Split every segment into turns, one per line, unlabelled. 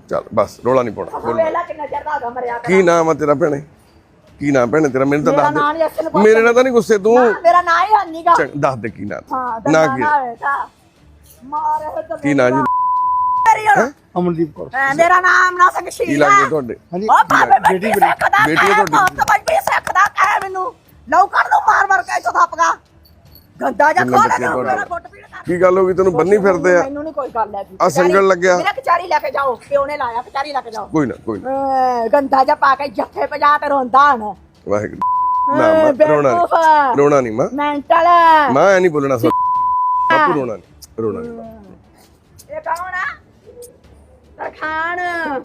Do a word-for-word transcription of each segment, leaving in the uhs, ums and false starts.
ਚੱਲ ਬਸ ਰੋਲਾ ਨਹੀਂ ਪਾਉਣਾ।
ਵੇਲਾ ਕਿੰਨਾ ਚਿਰ ਦਾ ਮਰਿਆ
ਕੀ ਨਾਮ ਆ ਤੇਰਾ ਭੈਣੇ? ਕੀ ਨਾਮ ਭੈਣੇ ਤੇਰਾ? ਮੈਨੂੰ ਤਾਂ ਦੱਸ ਦੇ। ਮੇਰੇ ਨਾਲ ਤਾਂ ਨਹੀਂ ਗੁੱਸੇ ਤੂੰ?
ਮੇਰਾ ਨਾਂ ਹੀ ਹੰਨੀਗਾ।
ਦੱਸ ਦੇ ਕੀ ਨਾਮ?
ਹਾਂ
ਨਾ ਕੀ
ਮਾਰੇ
ਕੀ ਨਾਂ ਜੀ?
ਅਮਨਦੀਪ ਕੌਰ।
ਮੇਰਾ ਨਾਮ ਨਾ ਸਿੰਘ ਸ਼ੀਲਾ।
ਕੀ ਲੱਗਦੇ ਤੁਹਾਡੇ?
ਹਾਂਜੀ
ਬੇਟੀ ਬੇਟੀ
ਬੇਟੀ ਹੈ ਤੁਹਾਡੀ?
ਤਾਂ ਬਈ ਸਿੱਖਦਾ ਕਹਿ ਮੈਨੂੰ ਲਊ ਕਰ ਦੋ ਮਾਰ ਮਾਰ ਕੇ ਥੱਪਗਾ ਗੰਦਾ ਜਾ ਖੋਲ ਮੇਰਾ ਗੁੱਟ ਪੀੜ ਕਰ।
ਕੀ ਗੱਲ ਹੋ ਗਈ ਤੈਨੂੰ? ਬੰਨੀ ਫਿਰਦੇ ਆ?
ਮੈਨੂੰ ਨਹੀਂ ਕੋਈ ਗੱਲ ਹੈਗੀ।
ਆ ਸੰਗਲ ਲੱਗਿਆ
ਮੇਰਾ ਕਚਾਰੀ ਲੈ ਕੇ ਜਾਓ। ਪਿਓ ਨੇ ਲਾਇਆ ਕਚਾਰੀ ਲੈ ਕੇ ਜਾਓ।
ਕੋਈ ਨਾ ਕੋਈ ਨਾ।
ਗੰਦਾ ਜਾ ਪਾ ਕੇ ਜੱਫੇ ਪਜਾ ਤੇ ਰੋਂਦਾ ਹਣ।
ਵਾਹਿਗੁਰੂ ਨਾ ਮਾਂ ਰੋਣਾ ਨਹੀਂ ਰੋਣਾ ਨਹੀਂ ਮਾਂ
ਮੈਂਟਲ
ਮਾਂ ਐ ਨਹੀਂ ਬੋਲਣਾ। ਬਾਪੂ ਰੋਣਾ ਨਹੀਂ ਰੋਣਾ ਨਹੀਂ।
ਇਹ ਕੌਣ ਆ? ਤਰਖਾਨ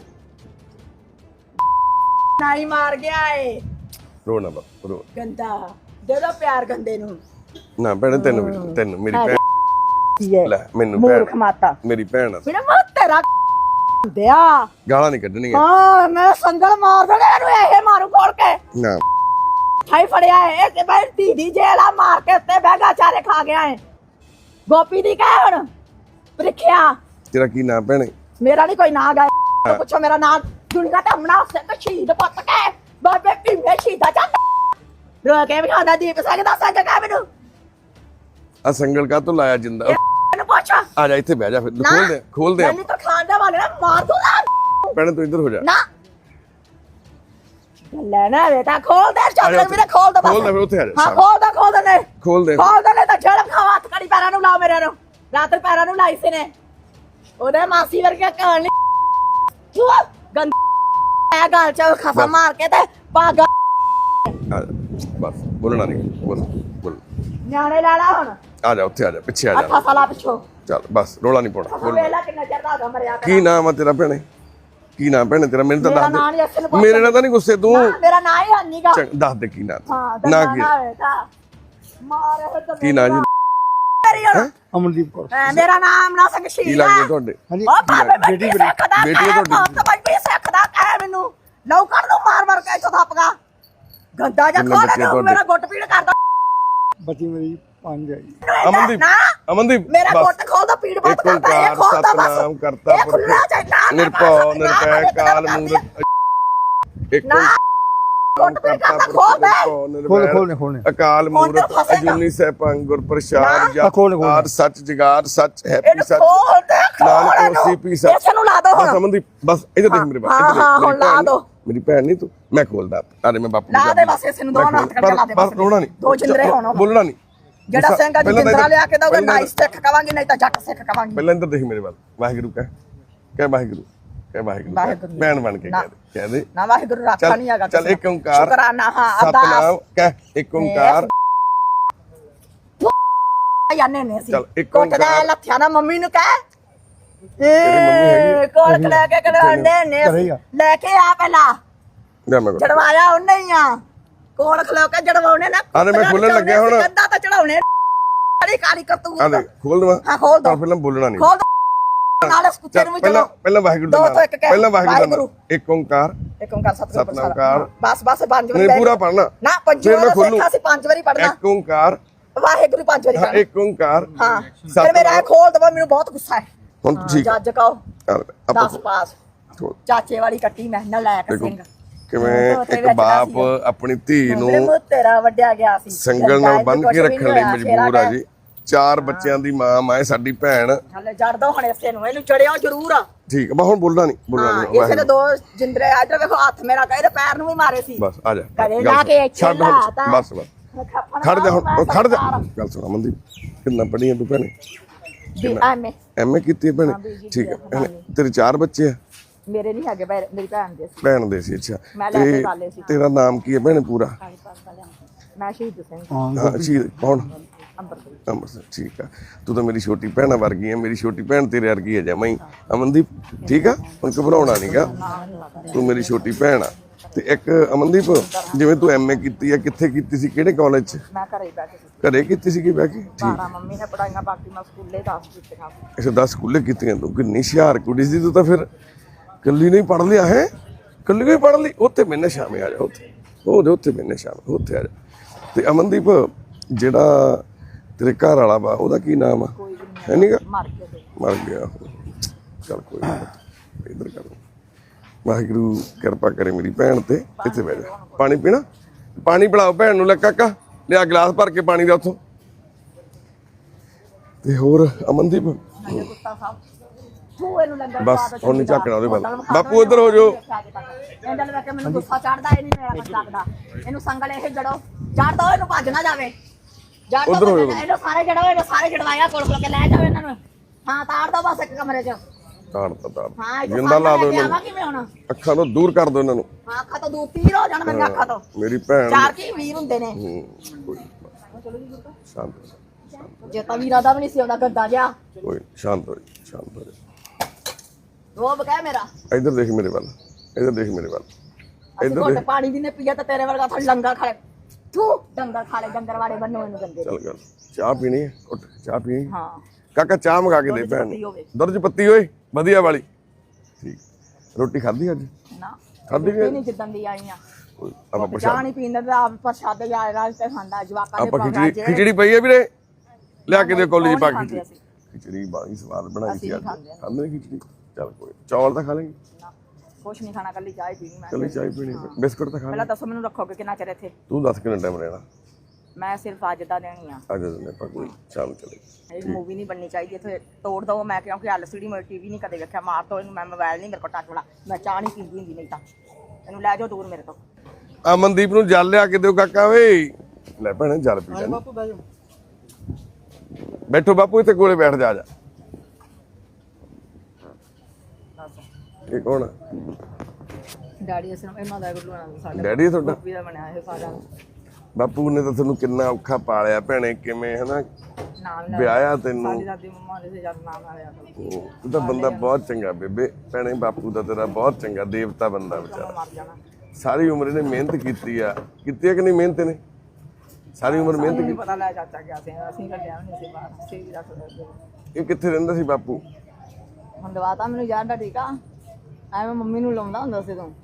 ਨਾਈ ਮਾਰ ਗਿਆ ਏ।
ਰੋਣਾ ਬਾਪੂ ਰੋ।
ਗੰਦਾ ਦੇ ਦੋ ਪਿਆਰ ਗੰਦੇ ਨੂੰ।
ਨਾ ਭੈਣੇ ਤੈਨੂੰ ਵੀ- ਤੈਨੂੰ ਮੇਰੀ ਭੈਣ ਲੈ ਮੈਨੂੰ
ਮੂਰਖ
ਭੈਣ
ਮਾਤਾ
ਮੇਰੀ ਭੈਣ ਆ।
ਮੇਰਾ ਮੂੰਹ ਤੇਰਾ ਦਿਆ
ਗਾਲਾਂ ਨਹੀਂ ਕੱਢਣੀਆਂ।
ਹਾਂ ਮੈਂ ਸੰਗਲ ਮਾਰ ਦੇਣਾ ਇਹਨੂੰ। ਇਹ ਮਾਰੂ ਖੋਲ ਕੇ
ਨਾ
ਹਾਈ ਫੜਿਆ ਏ ਤੇ ਬਈ ਦੀਦੀ ਜੇਲਾ ਮਾਰ ਕੇ ਉੱਤੇ ਬੈਗਾ ਚਾਰੇ ਖਾ ਗਿਆ ਏ। ਗੋਪੀ ਦੀ ਕਹਿ ਹੁਣ ਪ੍ਰੀਖਿਆ।
ਤੇਰਾ ਕੀ ਨਾਮ ਭੈਣੇ?
ਮੇਰਾ ਨਹੀਂ ਕੋਈ ਨਾਂ ਗਾ। ਪੁੱਛੋ ਮੇਰਾ ਨਾਮ ਦੁਨੀਆ ਤੇ ਹਮਣਾ ਸਿੱਖ ਸ਼ਹੀਦ ਪੁੱਤ ਕੇ ਬਾਬੇ ਭੀਮੇ ਸ਼ਹੀਦਾ ਜਾਂਦਾ ਰੋ ਕੇ ਵੀ ਖਾਦਾ ਦੀਪ ਸਿੰਘ ਦਾ ਸੰਗ ਕਾ ਮੈਨੂੰ।
ਆ ਸੰਗਲ ਕਾ ਤੋਂ ਲਾਇਆ ਜਿੰਦਾ?
ਇਹਨੂੰ ਪੁੱਛ।
ਆ ਜਾ ਇੱਥੇ ਬਹਿ ਜਾ ਫਿਰ ਖੋਲ ਦੇ ਖੋਲ ਦੇ।
ਮੈਨੂੰ ਤਾਂ ਖਾਣ ਦਾ ਵਾਲੇ ਨਾ ਮਾਰ ਦੂੰਗਾ।
ਭੈਣੇ ਤੂੰ ਇੱਧਰ ਹੋ ਜਾ।
ਨਾ ਲੈ ਨਾ ਬੇਟਾ ਖੋਲ ਦੇ ਚਾਦਰ ਮੇਰੇ ਖੋਲ ਦੇ ਬਸ।
ਖੋਲ ਦੇ ਫਿਰ ਉੱਥੇ ਆ ਜਾ।
ਹਾਂ ਖੋਲ ਦੇ ਖੋਲ ਦੇ ਨੇ
ਖੋਲ ਦੇ
ਖੋਲ ਦੇ ਨੇ ਤਾਂ ਜੜ ਖਾਵਾ ਹੱਥ ਕੜੀ ਪੈਰਾਂ ਨੂੰ ਲਾਓ ਮੇਰੇ ਨੂੰ। ਰਾਤ ਪੈਰਾਂ ਨੂੰ ਲਾਈ ਸੀ ਨੇ ਉਹਦੇ ਮਾਸੀ ਵਰਗਾ ਕਹਾਣੀ ਗੰਦ ਐ ਗਾਲ ਚ ਖਸਾ ਮਾਰ ਕੇ ਤੇ ਪਾਗਾ।
ਬਸ ਬੋਲਣਾ ਨਹੀਂ ਬੋਲ ਬੋਲ।
ਨਿਆਣੇ ਲਾ ਲਾ ਹੁਣ।
ਆ ਜਾ ਉੱਥੇ ਆ ਜਾ ਪਿੱਛੇ ਆ ਜਾ।
ਅੱਖਾਂ ਸਾਲਾ ਪਿੱਛੋਂ
ਚੱਲ ਬਸ ਰੋਲਾ ਨਹੀਂ ਪਾਉਣਾ। ਬੋਲ।
ਵੇਲਾ ਕਿੰਨਾ ਚਿਰ ਦਾ ਮਰਿਆ ਕਰ।
ਕੀ ਨਾਮ ਆ ਤੇਰਾ ਭੈਣੇ? ਕੀ ਨਾਮ ਭੈਣੇ ਤੇਰਾ? ਮੈਨੂੰ ਤਾਂ
ਮੇਰਾ
ਦੱਸ
ਨਾਂ ਨਹੀਂ
ਦੇ।
ਅਸਲ
ਮੇਰੇ ਨਾਲ ਤਾਂ ਨਹੀਂ ਗੁੱਸੇ ਤੂੰ?
ਮੇਰਾ ਨਾਂ ਹੀ ਹੰਨੀਗਾ।
ਦੱਸ ਦੇ ਕੀ ਨਾਮ?
ਹਾਂ
ਨਾ ਕੀ
ਮਾਰੇ
ਕੀ ਨਾਮ ਜੀ?
ਅਮਨਦੀਪ ਕੌਰ।
ਮੇਰਾ ਨਾਮ ਨਾ ਸਿੰਘ ਸ਼ੀਲਾ।
ਕੀ ਲੱਗਦੇ ਤੁਹਾਡੇ?
ਹਾਂਜੀ
ਬੇਟੀ ਬੇਟੀ
ਬੇਟੀ ਹੈ ਤੁਹਾਡੀ?
ਤਾਂ ਬਈ ਸਿੱਖਦਾ ਕਹਿ ਮੈਨੂੰ ਲਊ ਕਰ ਦੋ ਮਾਰ ਮਾਰ ਕੇ ਥੱਪਗਾ ਗੰਦਾ ਜਾ ਖੋਲ ਮੇਰਾ ਗੁੱਟ ਪੀੜ ਕਰਦਾ।
ਬੱਚੀ ਮੇਰੀ ਪੰਜ ਹੈ ਜੀ।
ਅਮਨਦੀਪ ਅਮਨਦੀਪ
ਮੇਰਾ ਗੁੱਟ ਖੋਲ ਦੋ ਪੀੜ ਬਹੁਤ ਕਰਦਾ ਇਹ ਖੋਲ ਦੋ ਬਸ।
ਸਤਨਾਮ ਕਰਤਾ ਪੁਰਖ ਨਿਰਭਉ ਨਿਰਭੈ ਕਾਲ ਮੂਰਤ ਇੱਕ
ਗੁੱਟ ਪੀੜ ਕਰਦਾ ਖੋਲ ਦੇ।
ਖੋਲ ਖੋਲਨੇ ਖੋਲਨੇ।
ਅਕਾਲ ਮੂਰਤ ਅਜੂਨੀ ਸੈਭੰ ਗੁਰ ਪ੍ਰਸਾਦ ਜਪ ਆਦ ਸੱਚ ਜਗਾਰ ਸੱਚ ਹੈਪੀ ਸੱਚ ਨਾਨਕ ਹੋਸੀ ਪੀ ਸੱਚ।
ਇਸ ਨੂੰ ਲਾ ਦੋ
ਬਸ ਅਮਨਦੀਪ ਬਸ ਇੱਧਰ ਦੇਖ ਮੇਰੇ ਬਾਪ।
ਹਾਂ ਹਾਂ ਹੁਣ ਲਾ ਦੋ।
ਮੇਰੀ ਭੈਣ ਨਹੀਂ ਤੂੰ ਮੈਂ ਖੋਲਦਾ। ਅਰੇ ਮੈਂ ਬਾਪੂ
ਲਾ ਦੇ ਬਸ ਇਸ ਨੂੰ ਦੋ ਹੱਥ ਕੱਢ ਲਾ ਦੇ
ਬਸ ਰੋਣਾ ਨਹੀਂ
ਦੋ ਜਿੰਦਰੇ ਹੋਣ।
ਬੋਲਣਾ ਨਹੀਂ।
ਜਿਹੜਾ ਸਿੰਘ ਅੱਜ ਜਿੰਦਰਾ ਲਿਆ ਕੇ ਦਊਗਾ ਨਾਈ ਸਿੱਖ ਕਵਾਂਗੀ ਨਹੀਂ ਤਾਂ ਜੱਟ ਸਿੱਖ ਕਵਾਂਗੀ।
ਪਹਿਲਾਂ ਇੱਧਰ ਦੇਖ ਮੇਰੇ ਵੱਲ। ਵਾਹਿਗੁਰੂ ਕਹਿ ਕਹਿ ਵਾਹਿਗੁਰੂ ਕਹਿ ਵਾਹਿਗੁਰੂ ਭੈਣ ਬਣ ਕੇ ਕਹਿ ਦੇ ਕਹਿ ਦੇ
ਨਾ ਵਾਹਿਗੁਰੂ ਰੱਖਾ ਨਹੀਂ ਹੈਗਾ।
ਚੱਲ ਇੱਕ ਓੰਕਾਰ
ਸ਼ੁਕਰਾਨਾ ਹਾਂ
ਸਤਨਾਮ ਕਹਿ ਇੱਕ ਓੰਕਾਰ
ਯਾਨੇ ਨੇ ਸੀ
ਚੱਲ ਇੱਕ
ਕੋਟ ਦਾ
ਓੰਕਾਰ
ਲੱਥਿਆ ਨਾ ਮੰਮੀ ਨੂੰ ਕਹਿ
ਮੰਮੀ ਹੈਗੀ
ਏ ਕੋਲ ਲੈ ਕੇ ਕਢਾਉਂਦੇ ਨੇ ਲੈ ਕੇ ਆ ਪਹਿਲਾਂ
ਜਾ ਮੈਂ
ਜੜਵਾਇਆ ਉਹਨੇ ਹੀ ਆ ਕੋਲ ਖਲੋ ਕੇ ਜੜਵਾਉਣੇ ਨਾ।
ਅਰੇ ਮੈਂ ਖੋਲਣ ਲੱਗਿਆ ਹੁਣ।
ਕੰਦਾ ਤਾਂ ਚੜਾਉਣੇ ਕਾਲੀ ਕਾਲੀ ਕਰਤੂਤ।
ਆ ਦੇ ਖੋਲ ਦਵਾ।
ਹਾਂ ਖੋਲ ਦੋ
ਪਹਿਲਾਂ ਬੋਲਣਾ ਨਹੀਂ।
ਖੋਲ ਦੋ ਨਾਲੇ ਕੁੱਤੇ ਨੂੰ ਵੀ
ਪਹਿਲਾਂ
ਚਲੋ
ਪਹਿਲਾਂ ਵਾਹਿਗੁਰੂ ਦਾ
ਦੋ ਤੋਂ ਇੱਕ ਕਹਿ।
ਪਹਿਲਾਂ ਵਾਹਿਗੁਰੂ ਦਾ ਇੱਕ ਓੰਕਾਰ
ਇੱਕ ਓੰਕਾਰ ਸਤਿਗੁਰੂ
ਸਤਨਾਮ ਕਾਰ।
ਬਸ ਬਸ ਪੰਜ ਵਾਰੀ
ਨਹੀਂ ਪੂਰਾ ਪੜਨਾ
ਨਾ ਪੰਜ
ਫਿਰ ਮੈਂ
ਵਾਰੀ
ਖੋਲੂ।
ਸਿੱਖਾ ਸੀ ਪੰਜ ਵਾਰੀ ਪੜਨਾ।
ਇੱਕ ਓੰਕਾਰ
ਵਾਹਿਗੁਰੂ ਪੰਜ ਵਾਰੀ
ਹਾਂ
ਪੜਨਾ।
ਇੱਕ ਓੰਕਾਰ
ਹਾਂ ਫਿਰ ਮੇਰਾ ਇਹ ਖੋਲ ਦਵਾ ਮੈਨੂੰ ਬਹੁਤ ਗੁੱਸਾ ਹੈ।
ਹੁਣ ਠੀਕ
ਜੱਜ ਕਹੋ
ਆਪਾਂ
ਦਸ ਪਾਸ ਚਾਚੇ ਵਾਲੀ ਕੱਟੀ ਮੈਂ ਨਾ ਲੈ ਕੇ ਸਿੰਘ
ਕਿਵੇਂ ਇੱਕ ਬਾਪ ਆਪਣੀ ਧੀ ਨੂੰ
ਤੇਰਾ ਵੱਡਿਆ ਗਿਆ ਸੀ
ਸੰਗਲ ਨਾਲ ਬੰਨ ਕੇ ਰੱਖਣ ਲਈ ਮਜਬੂਰ ਆ ਜੀ। ਚਾਰ ਬੱਚਿਆਂ ਦੀ ਮਾਂ ਮਾਏ ਸਾਡੀ ਭੈਣ।
ਹਲੇ ਜੜ ਦੋ ਹੁਣ ਇਸੇ ਨੂੰ ਇਹਨੂੰ ਚੜਿਓ ਜ਼ਰੂਰ ਆ।
ਠੀਕ ਮੈਂ ਹੁਣ ਬੋਲਣਾ ਨਹੀਂ ਬੋਲਣਾ ਨਹੀਂ।
ਇਸੇ ਦੇ ਦੋ ਜਿੰਦਰੇ ਆ ਵੇਖੋ ਹੱਥ ਮੇਰਾ ਕਹਿੰਦੇ ਪੈਰ ਨੂੰ ਵੀ ਮਾਰੇ ਸੀ।
ਬਸ ਆ ਜਾ
ਘਰੇ ਲਾ ਕੇ
ਛੱਡ ਹੁਣ ਬਸ ਬਸ ਖੜ ਜਾ ਹੁਣ ਖੜ ਜਾ। ਗੱਲ ਸੁਣ ਅਮਨਦੀਪ ਕਿੰਨਾ ਪੜ੍ਹੀ ਆ ਤੂੰ ਭੈਣੇ?
ਐਮਏ
ਐਮਏ ਕੀਤੀ ਭੈਣੇ? ਠੀਕ ਹੈ। ਤੇਰੇ ਚਾਰ ਬੱਚੇ ਆ?
ਮੇਰੇ ਨਹੀਂ ਹੈਗੇ ਮੇਰੀ ਭੈਣ ਦੇ ਸੀ।
ਭੈਣ ਦੇ ਸੀ ਅੱਛਾ।
ਮੈਂ ਲੈ ਕੇ ਪਾਲੇ ਸੀ।
ਤੇਰਾ ਨਾਮ ਕੀ ਹੈ ਭੈਣੇ ਪੂਰਾ?
ਮੈਂ ਸ਼ਹੀਦ ਸਿੰਘ।
ਹਾਂ ਸ਼ਹੀਦ ਕੌਣ?
ਅੰਮ੍ਰਿਤਸਰ।
ਅੰਮ੍ਰਿਤਸਰ ਠੀਕ ਆ। ਤੂੰ ਤਾਂ ਮੇਰੀ ਛੋਟੀ ਭੈਣ ਵਰਗੀ ਹੈ। ਮੇਰੀ ਛੋਟੀ ਭੈਣ ਤੇਰੇ ਵਰਗੀ ਹੈ ਜਮਾਂ ਹੀ ਅਮਨਦੀਪ। ਠੀਕ ਆ ਹੁਣ ਘਬਰਾਉਣਾ ਨਹੀਂਗਾ। ਤੂੰ ਮੇਰੀ ਛੋਟੀ ਭੈਣ ਆ। ਤੇ ਇੱਕ ਅਮਨਦੀਪ ਜਿਵੇਂ ਤੂੰ ਐਮਏ ਕੀਤੀ ਆ ਕਿੱਥੇ ਕੀਤੀ ਸੀ ਕਿਹੜੇ ਕਾਲਜ ਚ?
ਮੈਂ ਘਰੇ ਹੀ ਬੈਠੀ ਸੀ।
ਘਰੇ ਕੀਤੀ ਸੀ ਕਿ ਬਹਿ ਕੇ? ਠੀਕ
ਬਾਰਾਂ ਮੰਮੀ ਨੇ ਪੜਾਈਆਂ ਬਾਕੀ ਮੈਂ ਸਕੂਲੇ ਦਸ ਕੀਤੀਆਂ।
ਅੱਛਾ ਦਸ ਸਕੂਲੇ ਕੀਤੀਆਂ ਤੂੰ। ਕਿੰਨੀ ਹੁਸ਼ਿਆਰ ਕੁੜੀ ਸੀ ਤੂੰ ਤਾਂ। ਫਿਰ ਕੱਲੀ ਨਹੀਂ ਪੜ੍ਹ ਲਿਆ ਹੈ? ਕੱਲੀ ਕੋਈ ਪੜ੍ਹ ਲਈ? ਉੱਥੇ ਮੈਨੇ ਸ਼ਾਮੇ ਆ ਜਾ। ਉੱਥੇ ਉਹਦੇ ਉੱਥੇ ਮੈਨੇ ਸ਼ਾਮੇ ਉੱਥੇ ਆ ਜਾ। ਤੇ ਅਮਨਦੀਪ ਜਿਹੜਾ ਤੇਰੇ ਘਰ ਵਾਲਾ ਵਾ ਉਹਦਾ ਕੀ ਨਾਮ ਆ? ਹੈ ਨੀਗਾ?
ਮਰ ਗਿਆ
ਮਰ ਗਿਆ। ਚੱਲ ਕੋਈ ਨਾ ਇੱਧਰ ਕਰ। ਵਾਹਿਗੁਰੂ ਕਿਰਪਾ ਕਰੇ ਮੇਰੀ ਭੈਣ ਤੇ। ਇੱਥੇ ਬਹਿ ਜਾ, ਪਾਣੀ ਪੀਣਾ, ਪਾਣੀ ਪਿਲਾਓ ਭੈਣ ਨੂੰ। ਲੈ ਕਾਕਾ ਲਿਆ ਗਲਾਸ ਭਰ ਕੇ ਪਾਣੀ ਦਾ ਉੱਥੋਂ। ਤੇ ਹੋਰ ਅਮਨਦੀਪ
ਕੁੱਤਾ ਸਾਹਿਬ ਤੂੰ ਇਹਨੂੰ ਲੰਗਰ
ਬਸ ਹੁਣ ਨਹੀਂ ਝਾਕਣਾ ਉਹਦੇ ਵੱਲ। ਬਾਪੂ ਇੱਧਰ ਹੋ ਜਾਓ।
ਇਹਨਾਂ ਨੂੰ ਵੇਖ ਕੇ ਮੈਨੂੰ ਗੁੱਸਾ ਚੜਦਾ, ਇਹ ਨਹੀਂ ਮੇਰਾ ਕੁਝ ਲੱਗਦਾ। ਇਹਨੂੰ ਸੰਗਲ ਇਹ ਜੜੋ, ਜੜ ਦੋ ਇਹਨੂੰ, ਭੱਜ ਨਾ ਜਾਵੇ। ਜੜ ਦੋ ਇਹਨੂੰ, ਸਾਰੇ ਜੜੋ ਇਹਨੂੰ, ਸਾਰੇ ਜੜਵਾਇਆ ਕੋਲ ਕੋਲ ਕੇ ਲੈ ਜਾਓ ਇਹਨਾਂ ਨੂੰ। ਹਾਂ ਤਾੜ ਦੋ ਬਸ ਇੱਕ ਕਮਰੇ 'ਚ।
ਤਾੜ ਤਾ ਤਾੜ
ਹਾਂ
ਜਿੰਦਾ ਲਾ ਦੋ ਇਹਨਾਂ
ਆਵਾਂ ਕਿਵੇਂ ਹੁਣ?
ਅੱਖਾਂ ਤੋਂ ਦੂਰ ਕਰ ਦੋ ਇਹਨਾਂ ਨੂੰ।
ਹਾਂ ਅੱਖਾਂ ਤੋਂ ਦੂਰ ਤੀਰ ਹੋ ਜਾਣ ਮੇਰੀਆਂ ਅੱਖਾਂ ਤੋਂ।
ਮੇਰੀ ਭੈਣ
ਚਾਰ ਕੀ ਵੀਰ ਹੁੰਦੇ ਨੇ।
ਕੋਈ ਸ਼ਾਂਤ
ਜੇ ਤਾਂ ਵੀਰਾਂ ਦਾ ਵੀ ਨਹੀਂ ਸੀ ਆਉਂਦਾ ਗੱਦਾ ਜਿਹਾ।
ਕੋਈ ਸ਼ਾਂਤ ਹੋ ਜਾ, ਸ਼ਾਂਤ ਹੋ ਜਾ।
ਰੋਬ ਕਹਿ ਮੇਰਾ।
ਇੱਧਰ ਦੇਖ ਮੇਰੇ ਵੱਲ, ਇੱਧਰ ਦੇਖ ਮੇਰੇ ਵੱਲ।
ਇੱਧਰ ਦੇਖ। ਪਾਣੀ ਵੀ ਨੇ ਪੀਆ ਤਾਂ ਤੇਰੇ ਵਰਗਾ ਥੋੜੀ ਲੰਗਰ ਖਾ ਲੈ। ਤੂੰ ਡੰਗਰ ਖਾ ਲੈ, ਡੰਗਰ ਵਾਲੇ ਬੰਨੋ ਇਹਨੂੰ ਗੰਦੇ।
ਚੱਲ ਗੱਲ, ਚਾਹ ਪੀਣੀ ਹੈ? ਉੱਠ ਚਾਹ ਪੀਣੀ।
ਹਾਂ
ਕਾਕਾ ਚਾਹ ਮੰਗਾ ਕੇ ਦੇ ਭੈਣ ਨੂੰ, ਦੁੱਧ 'ਚ ਪੱਤੀ ਓਏ ਵਧੀਆ ਵਾਲੀ। ਠੀਕ, ਰੋਟੀ ਖਾਧੀ ਅੱਜ?
ਨਾ
ਖਾਧੀ
ਵੀ ਨਹੀਂ, ਜਿੱਦਣ ਦੀ ਆਈ ਆ।
ਆਪਾਂ
ਚਾਹ
ਪ੍ਰਸ਼ਾਦ,
ਨਹੀਂ ਪੀਂਦਾ ਤਾਂ ਆਪ ਪ੍ਰਸ਼ਾਦ ਜਾ ਰਾਜ ਤੇ ਖਾਂਦਾ ਜਵਾਕਾਂ ਦੇ।
ਆਪਾਂ ਖਿਚੜੀ ਖਿਚੜੀ ਪਈ ਹੈ ਵੀਰੇ, ਲਿਆ ਕੇ ਦੇ ਕੋਲੀ 'ਚ ਪਾ ਕੇ ਖਿਚੜੀ। ਖਿਚੜੀ ਬਾਈ ਸਵਾਦ ਬਣਾਈ ਸੀ ਅੱਜ। ਖਾਂਦੇ ਨੇ ਖਿਚੜੀ? ਚੱਲ ਕੋਈ, ਚੌਲ ਤਾਂ ਖਾ ਲੈਂਗੇ।
ਕੁਛ ਨਹੀਂ ਖਾਣਾ, ਕੱਲੀ ਚਾਹ ਪੀਣੀ ਮੈਂ।
ਕੱਲੀ ਚਾਹ ਪੀਣੀ, ਬਿਸਕੁਟ ਤਾਂ ਖਾ ਲੈ।
ਪਹਿਲਾਂ ਦੱਸੋ ਮੈਨੂੰ ਰੱਖੋਗੇ ਕਿੰਨਾ ਚਿਰ ਇੱਥੇ?
ਤੂੰ ਦੱਸ ਕਿੰਨਾ ਟਾਈਮ ਰਹਿਣਾ?
ਮੈਂ ਸਿਰਫ ਅੱਜ ਦਾ ਦੇਣੀ ਆ।
ਅੱਜ ਦਿਨ ਆਪਾਂ ਕੋਈ ਸ਼ਾਮ ਚਲੇ।
ਇਹ ਮੂਵੀ ਨਹੀਂ ਬਣਨੀ ਚਾਹੀਦੀ ਇੱਥੇ, ਤੋੜ ਦੋ। ਮੈਂ ਕਿਉਂਕਿ ਐਲ ਸੀ ਡੀ ਮੈਂ ਟੀਵੀ ਨਹੀਂ ਕਦੇ ਵੇਖਿਆ, ਮਾਰ ਦੋ ਇਹਨੂੰ। ਮੈਂ ਮੋਬਾਈਲ ਨਹੀਂ ਮੇਰੇ ਕੋਲ ਟੱਚ ਵਾਲਾ, ਮੈਂ ਚਾਹ ਨਹੀਂ ਪੀਂਦੀ ਹੁੰਦੀ। ਨਹੀਂ ਤਾਂ ਇਹਨੂੰ ਲੈ ਜਾਓ ਦੂਰ ਮੇਰੇ ਤੋਂ।
ਅਮਨਦੀਪ ਨੂੰ ਜਲ ਲਿਆ ਕੇ ਦਿਓ ਕਾਕਾ ਵੇ। ਲੈ ਭੈਣੇ ਜਲ ਪੀ ਲੈ।
ਬਾਪੂ ਬਹਿ ਜਾਓ।
ਬੈਠੋ ਬਾਪੂ, ਇੱਥੇ ਕੋਲੇ ਬੈਠ ਜਾ। ਜਾ ਇਹ ਕੌਣ ਆ?
ਡੈਡੀ ਅਸਲ ਇਹਨਾਂ ਦਾ ਗੁੱਲੂ ਨਾਲ ਸਾਡਾ
ਡੈਡੀ ਹੈ ਤੁਹਾਡਾ?
ਵੀ ਦਾ ਬਣਿਆ ਇਹ ਸਾਡਾ।
ਬਾਪੂ ਨੇ ਤਾਂ ਤੁਹਾਨੂੰ ਕਿੰਨਾ ਔਖਾ ਪਾਲਿਆ ਭੈਣੇ, ਕਿਵੇਂ ਹਨਾ
ਨਾਮ
ਵਿਆਹਿਆ ਤੈਨੂੰ।
ਸਾਡੀ ਦਾਦੀ ਮੰਮਾ ਦੇ ਜਦ ਨਾਮ ਆਇਆ ਤਾਂ
ਤੂੰ ਤਾਂ ਬੰਦਾ ਬਹੁਤ ਚੰਗਾ ਬੇਬੇ। ਭੈਣੇ ਬਾਪੂ ਦਾ ਤੇਰਾ ਬਹੁਤ ਚੰਗਾ, ਦੇਵਤਾ ਬੰਦਾ ਵਿਚਾਰਾ।
ਮਰ ਜਾਣਾ।
ਸਾਰੀ ਉਮਰ ਇਹਨੇ ਮਿਹਨਤ ਕੀਤੀ ਆ। ਕੀਤੀ ਆ ਕਿ ਨਹੀਂ ਮਿਹਨਤ ਇਹਨੇ? ਸਾਰੀ ਉਮਰ ਮਿਹਨਤ
ਨਹੀਂ
ਕੀਤੀ।
ਪਤਾ ਲੈ ਚਾਚਾ ਗਿਆ ਸੀ, ਅਸੀਂ ਕੱਢਿਆ ਨਹੀਂ ਸੀ ਬਾਹਰ। ਸੀ ਵੀ ਰੱਖ ਦੇ।
ਇਹ ਕਿੱਥੇ ਰਹਿੰਦਾ ਸੀ ਬਾਪੂ?
ਹੁਣ ਦਵਾਤਾ ਮੈਨੂੰ ਯਾਰ ਦਾ ਟੀਕਾ, ਐਵੇਂ ਮੰਮੀ ਨੂੰ ਲਾਉਂਦਾ ਹੁੰਦਾ ਸੀ ਤੂੰ।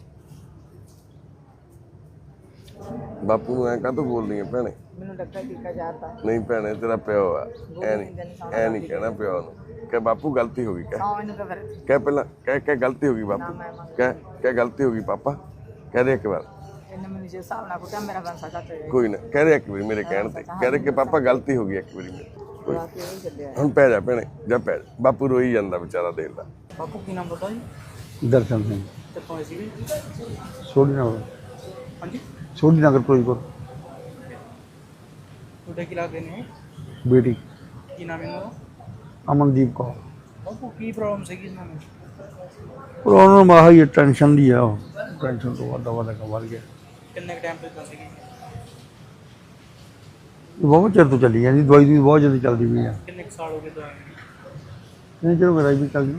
ਬਾਪੂ ਨੂੰ ਐਂ ਕਾਹਤੋਂ ਬੋਲਦੀ ਆ ਭੈਣੇ?
ਮੈਨੂੰ ਲੱਗਾ ਟੀਕਾ ਯਾਰ ਦਾ।
ਨਹੀਂ ਭੈਣੇ ਤੇਰਾ ਪਿਓ ਆ, ਐ ਨਹੀਂ ਐ ਨਹੀਂ ਕਹਿਣਾ ਪਿਓ ਨੂੰ। ਕਹਿ ਬਾਪੂ ਗਲਤੀ ਹੋ ਗਈ। ਕਹਿ
ਹਾਂ ਮੈਨੂੰ ਤਾਂ ਫਿਰ
ਕਹਿ ਪਹਿਲਾਂ, ਕਹਿ ਕਹਿ ਗਲਤੀ ਹੋ ਗਈ ਬਾਪੂ। ਕਹਿ ਕਹਿ ਗਲਤੀ ਹੋ ਗਈ ਪਾਪਾ। ਕਹਿ ਦੇ ਇੱਕ ਵਾਰ।
ਇਹਨੇ ਮੈਨੂੰ ਜੇ ਹਿਸਾਬ ਨਾਲ ਕੁੱਟਿਆ, ਮੇਰਾ ਬੰਸਾ ਚਾਚਾ ਜੀ
ਕੋਈ ਨਾ, ਕਹਿ ਦੇ ਇੱਕ ਵਾਰੀ ਮੇਰੇ ਕਹਿਣ ਤੇ। ਕਹਿ ਦੇ ਕਿ ਪਾਪਾ ਗਲਤੀ ਹੋ ਗਈ ਇੱਕ ਵਾਰੀ ਮੇਰੀ। ਕੋਈ
ਆ ਕੇ ਇਹ ਚੱਲਿਆ।
ਹੁਣ ਪੈ ਜਾ ਭੈਣੇ, ਜਾ ਪੈ ਜਾ। ਬਾਪੂ ਰੋਈ ਜਾਂਦਾ ਵਿਚਾਰਾ, ਦੇਖਦਾ।
ਬਾਪੂ ਕੀ ਨਾਮ ਬਤਾ ਜੀ?
ਦਰਸ਼ਨ ਸਿੰਘ,
ਕਿੱਥੋਂ ਆਏ ਸੀਗੇ?
ਸੋਢੀ ਨਗਰ।
ਹਾਂਜੀ
ਸੋਢੀ ਨਗਰ ਫਿਰੋਜ਼ਪੁਰ।
ਤੁਹਾਡੇ ਕੀ ਲੱਗਦੇ ਨੇ?
ਬੇਟੀ
ਕੀ ਨਾਮ ਇਹਨਾਂ ਦਾ?
ਅਮਨਦੀਪ ਕੌਰ।
ਬਾਪੂ ਕੀ ਪ੍ਰੋਬਲਮ ਸੀਗੀ ਇਹਨਾਂ ਨੂੰ?
ਪਰ ਉਹਨਾਂ ਨੂੰ ਮਾਹਾ ਹੀ ਟੈਨਸ਼ਨ ਦੀ ਆ। ਉਹ ਟੈਨਸ਼ਨ ਤੋਂ ਵੱਧ ਵੱਧ ਕੰਮ ਵੱਧ ਗਿਆ।
ਕਿੰਨੇ ਟਾਈਮ ਤੋਂ ਸੀਗੀ?
ਬਹੁਤ ਚਿਰ ਤੋਂ ਚੱਲੀ ਜਾਂਦੀ ਦਵਾਈ ਦੀ, ਬਹੁਤ ਜਲਦੀ ਚੱਲਦੀ ਪਈ ਆ।
ਕਿੰਨੇ ਸਾਲ ਹੋ ਗਏ ਦਵਾਈ?
ਨਹੀਂ ਚਲੋ ਮੇਰਾ ਵੀ ਚੱਲਦੀ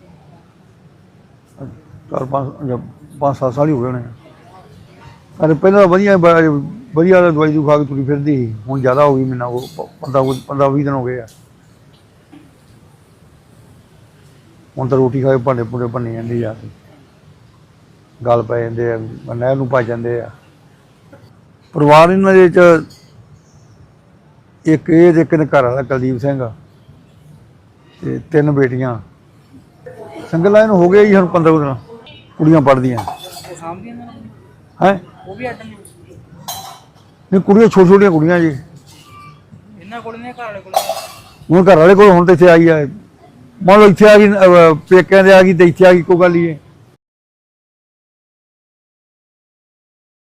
ਚਾਰ ਪੰਜ ਜਾਂ ਪੰਜ ਸੱਤ ਸਾਲ ਹੀ ਹੋ ਗਏ ਹੋਣੇ। ਅਰੇ ਪਹਿਲਾਂ ਤਾਂ ਵਧੀਆ ਵਧੀਆ ਦਵਾਈ ਦੂ ਖਾ ਕੇ ਤੁਰੀ ਫਿਰਦੀ ਸੀ। ਹੁਣ ਜ਼ਿਆਦਾ ਹੋ ਗਈ ਮੈਨੂੰ। ਉਹ ਪੰਦਰਾਂ ਪੰਦਰਾਂ ਵੀਹ ਦਿਨ ਹੋ ਗਏ ਆ। ਹੁਣ ਤਾਂ ਰੋਟੀ ਖਾ ਕੇ ਭਾਂਡੇ ਭੁੰਡੇ ਭੰਨੀ ਜਾਂਦੀ ਆ, ਗੱਲ ਪੈ ਜਾਂਦੇ ਆ, ਨਹਿਰ ਨੂੰ ਭੱਜ ਜਾਂਦੇ ਆ। ਪਰਿਵਾਰ ਇਹਨਾਂ ਦੇ 'ਚ ਇੱਕ ਇਹ ਤੇ ਇੱਕ ਘਰ ਵਾਲਾ ਕੁਲਦੀਪ ਸਿੰਘ ਤੇ ਤਿੰਨ ਬੇਟੀਆਂ। ਸਿੰਗਲ ਲਾਈਨ ਹੋ ਗਏ ਜੀ ਹੁਣ ਪੰਦਰਾਂ ਦਿਨ। ਕੁੜੀਆਂ ਪੜ੍ਹਦੀਆਂ ਹੈ।
ਉਹ ਵੀ ਅੱਡ ਨੇ?
ਨਹੀਂ ਕੁੜੀਆਂ ਛੋਟੀਆਂ ਛੋਟੀਆਂ ਕੁੜੀਆਂ ਜੀ।
ਇਹਨਾਂ ਕੋਲ ਨੇ ਘਰ ਵਾਲੇ ਕੋਲ?
ਹੁਣ ਘਰ ਵਾਲੇ ਕੋਲ ਹੁਣ ਤਾਂ ਇੱਥੇ ਆਈ ਆ। ਮੰਨ ਲਓ ਇੱਥੇ ਆ ਗਈ, ਪੇਕਿਆਂ ਦੇ ਆ ਗਈ ਤੇ ਇੱਥੇ ਆ ਗਈ, ਕੋਈ ਗੱਲ ਹੀ ਹੈ।